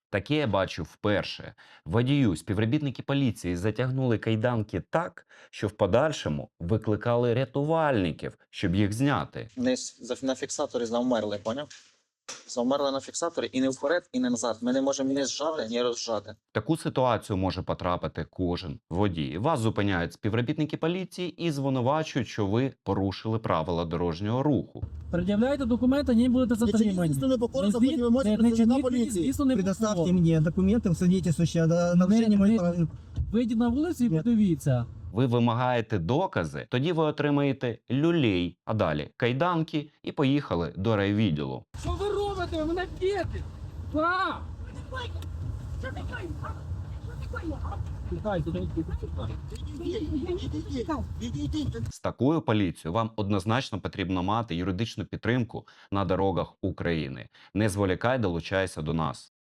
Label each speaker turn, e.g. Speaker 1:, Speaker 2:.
Speaker 1: Таке я бачу вперше. Водію співробітники поліції затягнули кайданки так, що в подальшому викликали рятувальників, щоб їх зняти.
Speaker 2: На фіксаторі завмерли, поняв? Завмерли на фіксаторі і не вперед, і не назад. Ми не можемо ні зжати, ні розжати.
Speaker 1: В таку ситуацію може потрапити кожен водій. Вас зупиняють співробітники поліції і звинувачують, що ви порушили правила дорожнього руху.
Speaker 3: Пред'являйте документи, не будете затримані.
Speaker 4: Если покорно,
Speaker 3: Не
Speaker 4: вы можете
Speaker 3: не
Speaker 4: представить на
Speaker 3: чиніть
Speaker 4: полиции.
Speaker 3: звісно, не
Speaker 4: Предоставьте
Speaker 3: покорно.
Speaker 4: мне документы, свидетельствующие о нарушении моих прав.
Speaker 3: Вийдіть на вулицю і
Speaker 4: Ні.
Speaker 3: подивіться.
Speaker 1: Ви вимагаєте докази, тоді ви отримаєте люлей, а далі кайданки і поїхали до райвідділу.
Speaker 3: Що ви робите? Ви мене б'єте! Пап! Тікайте,
Speaker 1: З такою поліцією вам однозначно потрібно мати юридичну підтримку на дорогах України. Не зволікай, долучайся до нас.